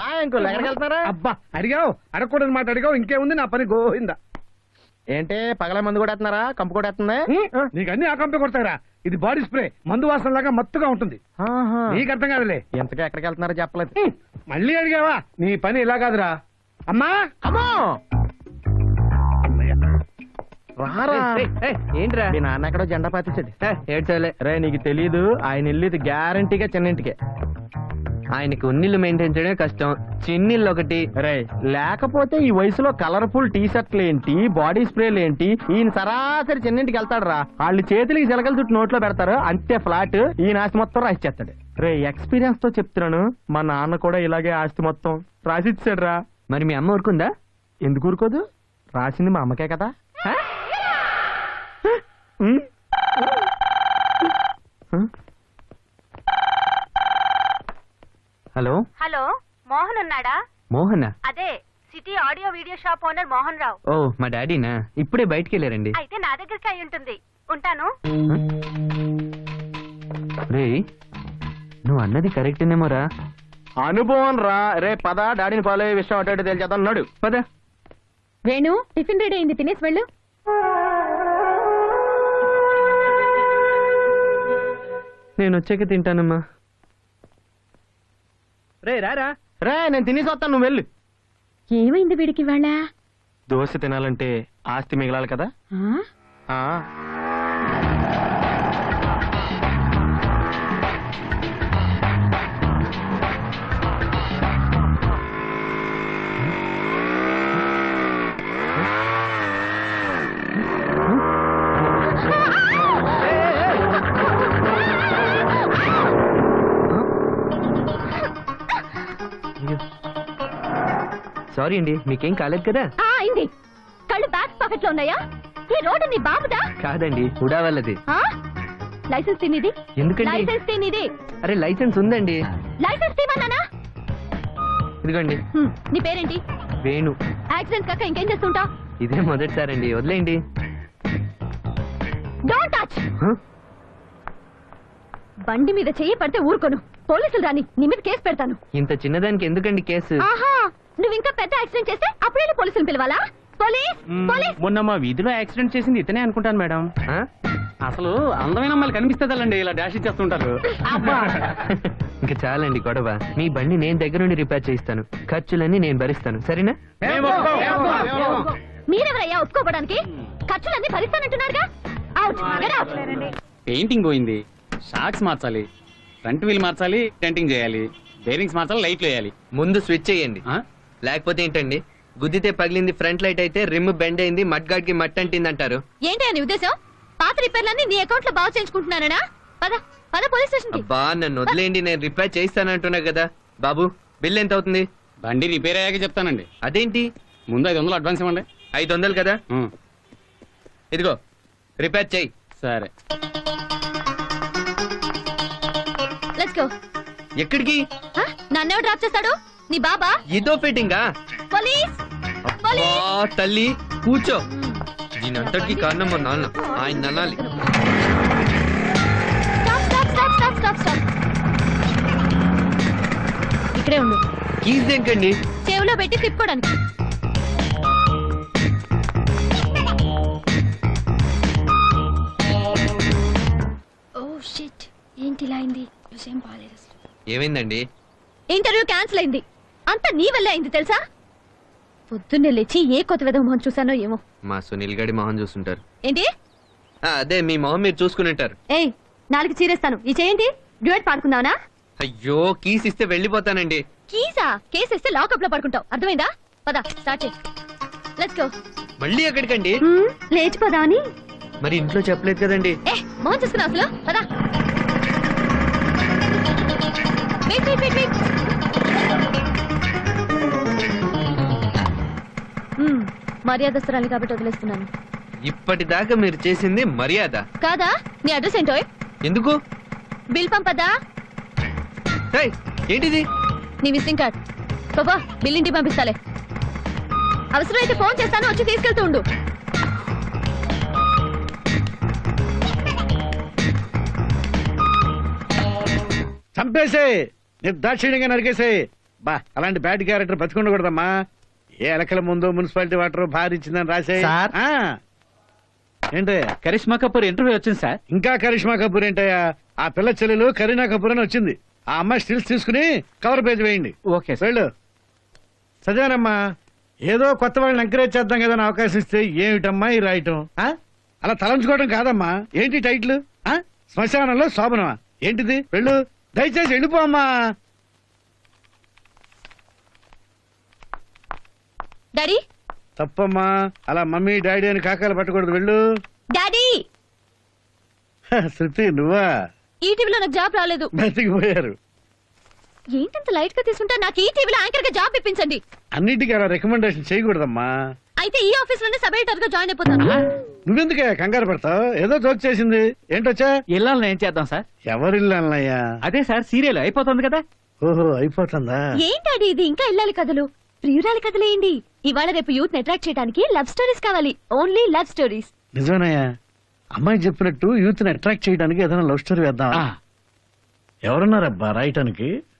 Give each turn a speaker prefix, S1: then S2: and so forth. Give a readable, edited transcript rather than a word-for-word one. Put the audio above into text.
S1: Uncle ఎక్కడికి వెళ్తున్నారా?
S2: అబ్బా అడిగావు, అడగకూడని మాట అడిగావు. ఇంకేముంది, నా పని గోయిందా.
S1: ఏంటి పగల మందు కూడా వేస్తున్నారా? కంపు కూడా వేస్తుంది?
S2: నీకు అన్ని ఆ కంపే కొడతారా? ఇది బాడీ స్ప్రే, మందు వాసన లాగా మత్తుగా ఉంటుంది. నీకు అర్థం కాదులే.
S1: ఎంతగా ఎక్కడికి వెళ్తున్నారో చెప్పలేదు.
S2: మళ్ళీ అడిగావా? నీ పని ఇలా కాదురా. అమ్మా
S1: అమ్మో రారా.
S3: ఏంట్రా
S1: మీ నాన్న ఎక్కడో జెండా పాతించండి.
S3: ఏడ్చాలే
S1: రే నీకు తెలీదు, ఆయన వెళ్ళేది గ్యారంటీగా చిన్నింటికే.
S3: ఆయనకి ఉన్నిళ్ళు మెయింటైన్ చేయడమే కష్టం, చిన్నిళ్ళు ఒకటి.
S1: రే లేకపోతే ఈ వయసులో కలర్ఫుల్ టీ షర్ట్లు ఏంటి, బాడీ స్ప్రేలు ఏంటి? ఈయన సరాసరి చిన్నింటికి వెళ్తాడు రా. వాళ్ళు చేతులకి చిలకలు చుట్టూ నోట్లో పెడతారు, అంతే ఫ్లాట్. ఈయన ఆస్తి మొత్తం రాసిచ్చేస్తాడు. రే ఎక్స్పీరియన్స్ తో చెప్తున్నాను, మా నాన్న కూడా ఇలాగే ఆస్తి మొత్తం రాసిచ్చాడు రా.
S3: మరి మీ అమ్మ ఊరుకుందా?
S1: ఎందుకు ఊరుకోదు? రాసింది మా అమ్మకే కదా.
S3: హలో
S4: హలో, మోహన్ ఉన్నాడా?
S3: మోహనా?
S4: అదే city audio video shop owner Mohan Rao.
S3: ఓ మా డాడీనా? ఇప్పుడే బయటికి వెళ్ళారండి.
S4: అయితే నా దగ్గరికి అయి ఉంటుంది. ఉంటాను.
S3: రే నువ్వు అన్నది కరెక్టేనేమోరా.
S1: అనుభవం రా. రే పద, డాడీని ఫాలో అయ్యే విషయం అటు ఇటు తెలిచేద్దాం. అన్నాడు
S3: పద.
S4: వేణు, టిఫిన్ రెడీ అయింది, తినేసి వెళ్ళు.
S3: నేను వచ్చాక తింటానమ్మా.
S1: రే రారా. రే నేను తినేసి వస్తాను, నువ్వు వెళ్ళు.
S4: ఏమైంది వీడికి వాళ్ళ?
S1: దోశ తినాలంటే ఆస్తి మిగలాలి కదా. ఆ
S3: సారీ అండి, మీకేం కాలేదు కదా?
S4: అయింది. కళ్ళు బ్యాక్ పాకెట్ లో ఉన్నాయా? ఈ రోడ్డు నీ బాబుదా?
S3: కాదండి, హుడా వాళ్ళది.
S4: లైసెన్స్ తినిది.
S3: ఎందుకండి?
S4: లైసెన్స్ తినిది.
S3: అరే లైసెన్స్ ఉందండి.
S4: లైసెన్స్ తీమన్నానా?
S3: ఇదిగోండి.
S4: నీ పేరేంటి?
S3: వేణు.
S4: యాక్సిడెంట్ కాక ఇంకేం చేస్తుంటావు?
S3: ఇదే మొదటిసారండి, వదిలేయండి.
S4: Don't touch. బండి మీద చెయ్యి పడితే ఊరుకోను. పోలీసులు రాని, నీ మీద కేసు పెడతాను.
S3: ఇంత చిన్నదానికి ఎందుకండి కేసు?
S4: ఆహా, నువ్వు ఇంకా పెద్ద యాక్సిడెంట్ చేస్తే అప్పుడే పోలీసులు పిలవాలా? Police police.
S5: మొన్న మా వీధిలో యాక్సిడెంట్ చేసింది ఇతనే అనుకుంటాను మేడం. అసలు అందమైన అమ్మాయిలు కనిపిస్తుందండి ఇలా డాష్ ఇచ్చేస్తుంటారు.
S3: ఇంకా చాలండి గొడవ. మీ బండి నేను దగ్గర నుండి రిపేర్ చేయిస్తాను, ఖర్చులన్నీ నేను భరిస్తాను, సరేనా?
S4: మీరెవరయ్యా ఒప్పుకోవడానికి? ఖర్చులన్నీ భరిస్తానంటున్నారుగా. Out, get out.
S5: పెయింటింగ్ పోయింది, షాక్స్ మార్చాలి, ఫ్రంట్ వీల్ మార్చాలి, డెంటింగ్ చేయాలి, బేరింగ్స్ మార్చాలి, లైట్లు వేయాలి.
S3: ముందు స్విచ్ చేయండి, లేకపోతే ఏంటండి గుద్దితే పగిలింది ఫ్రంట్ లైట్ అయితే రిమ్ బెండ్ అయింది, మడ్ గార్డ్ కి మట్ అంటింది అంటారు.
S4: ఏంటి అని ఉద్దేశం? పాత రిపేర్లన్నీ నీ అకౌంట్ లో బాగు చేయించుకుంటున్నానా? పద పద పోలీస్ స్టేషన్ కి.
S3: అబ్బా నన్ను వదిలేండి, నేను రిపేర్ చేయిస్తానంటున్నా కదా. బాబు బిల్ ఎంత అవుతుంది?
S5: బండి రిపేర్ అయ్యాక చెప్తానండి.
S3: అదేంటి?
S5: ముందు 500 అడ్వాన్స్ ఇవ్వండి.
S3: 500 కదా, ఇదిగో రిపేర్ చెయ్యి.
S5: సరే.
S4: Let's go.
S3: ఎక్కడికి?
S4: నన్ను డ్రాప్ చేస్తాడు? నీ బాబా?
S3: ఇదో ఫిట్టింగా?
S4: పోలీస్
S3: తల్లి కూర్చో. దీనంతటికి కారణం మా నాన్న, ఆయన ననాలి.
S4: ఇక్కడే ఉండు.
S3: కీస్ దేనికండి?
S4: చెవులో పెట్టి తిప్పుకోవడానికి. ఓ షిట్, ఏంటి ఇలా అయింది? విషయం బాలేదు అసలు.
S3: ఏమైందండి?
S4: ఇంటర్వ్యూ క్యాన్సిల్ అయింది. అంతా నీ వల్లే అయింది తెలుసా? పొద్దున్నే లేచి ఏ కొత్త విధం మొహం చూసానో ఏమో.
S3: మా సునీల్ గడి మొహం చూస్తుంటారు.
S4: ఏంటి?
S3: అదే మీ మొహం మీరు చూసుకుని ఉంటారు.
S4: ఏయ్, నాలుగు చీరేస్తాను. ఈ చేయండి. డ్యూయట్ పాడుకుందావనా?
S3: అయ్యో కీస్ ఇస్తే వెళ్ళిపోతానండి.
S4: కీసా? కేసు ఇస్తే లాకప్ లో పడుకుంటావు, అర్థమైందా? పద స్టార్ట్ చేయి. Let's go.
S3: మళ్ళీ ఎక్కడికండి?
S4: లేచిపోదా అని.
S3: మరి ఇంట్లో చెప్పలేదు కదండి.
S4: మొహం చూసుకున్నావు అసలు. పద. Wait wait wait wait. మర్యాదస్తురాలి కాబట్టి వదిలేస్తున్నాను.
S3: ఇప్పటిదాకా మీరు చేసింది మర్యాద
S4: కాదా? నీ అడ్రస్ ఏంటో?
S3: ఎందుకు?
S4: బిల్ పంపదా?
S3: ఏంటిది?
S4: నీ విజిటింగ్ కార్డ్. బాబా బిల్ ఇంటికి పంపిస్తాలే. అవసరమైతే ఫోన్ చేస్తాను, వచ్చి తీసుకెళ్తూ ఉండు.
S2: చంపేసే, నిర్దాక్షిణ్యంగా నరికేసే. బా అలాంటి బ్యాడ్ క్యారెక్టర్ బతికుండకూడదమ్మా. ఏ ఎలకల ముందు మున్సిపాలిటీ వాటర్ భారీ ఇచ్చిందని రాసే.
S1: సార్.
S2: ఏంటి
S5: కరిష్మా కపూర్ ఇంటర్వ్యూ వచ్చింది సార్.
S2: ఇంకా కరిష్మా కపూర్ ఏంటయ్యా? ఆ పిల్ల చెల్లెలు కరీనా కపూర్ అని వచ్చింది. ఆ అమ్మాయి స్టిల్స్ తీసుకుని కవర్ పేజ్ వేయండి.
S5: Okay sir.
S2: వెళ్ళు. చదివానమ్మా. ఏదో కొత్త వాళ్ళని ఎంకరేజ్ చేద్దాం కదా అని అవకాశం ఇస్తే ఏమిటమ్మా ఈ రాయటం? అలా తలంచుకోవడం కాదమ్మా. ఏంటి టైటిల్? శ్మశానంలో శోభనమా? ఏంటిది? వెళ్ళు, దయచేసి వెళ్ళిపో అమ్మా.
S4: డాడీ
S2: తప్పమ్మా, అలా మమ్మీ డాడీ అని కాకాలు పట్టకూడదు. వెళ్ళు.
S4: డాడీ
S2: శృతి నువ్వా?
S4: ఈ టీవీలో నాకు జాబ్ రాలేదు.
S2: బతికిపోయారు.
S4: ఏంటంత లైట్ గా తీసుకుంటా? నాకు ఈ టీవీలో యాంకర్ గా జాబ్ ఇప్పించండి.
S2: అన్నిటికీ అలా రికమెండేషన్ చేయకూడదమ్మా.
S4: అయితే ఈ ఆఫీస్ లోనే సబ్ ఎడిటర్ గా జాయిన్ అయిపోతాను.
S2: నువ్వెందుకే కంగారు పడతావు? ఏదో జోక్ చేసింది. ఏంటొచ్చా?
S5: ఇళ్ళని ఏం చేద్దాం సార్?
S2: ఎవరిల్లు అన్నయ్యా?
S5: అదే సార్, సీరియల్ అయిపోతుంది కదా.
S2: ఓహో, అయిపోతుందా?
S4: ఏంటాడి ఇది? ఇంకా ఇల్లాలి కథలు, ప్రియురాలి కథలేంటి? ఇవాళ రేపు యూత్ అట్రాక్ట్ చేయడానికి లవ్ స్టోరీస్ కావాలి. Only love stories.
S2: నిజమేనయ్యా. అమ్మాయి చెప్పినట్టు యూత్ ని అట్రాక్ట్ చేయడానికి ఏదైనా లవ్ స్టోరీ వేద్దాం. ఎవరున్నారబ్బా రాయటానికి?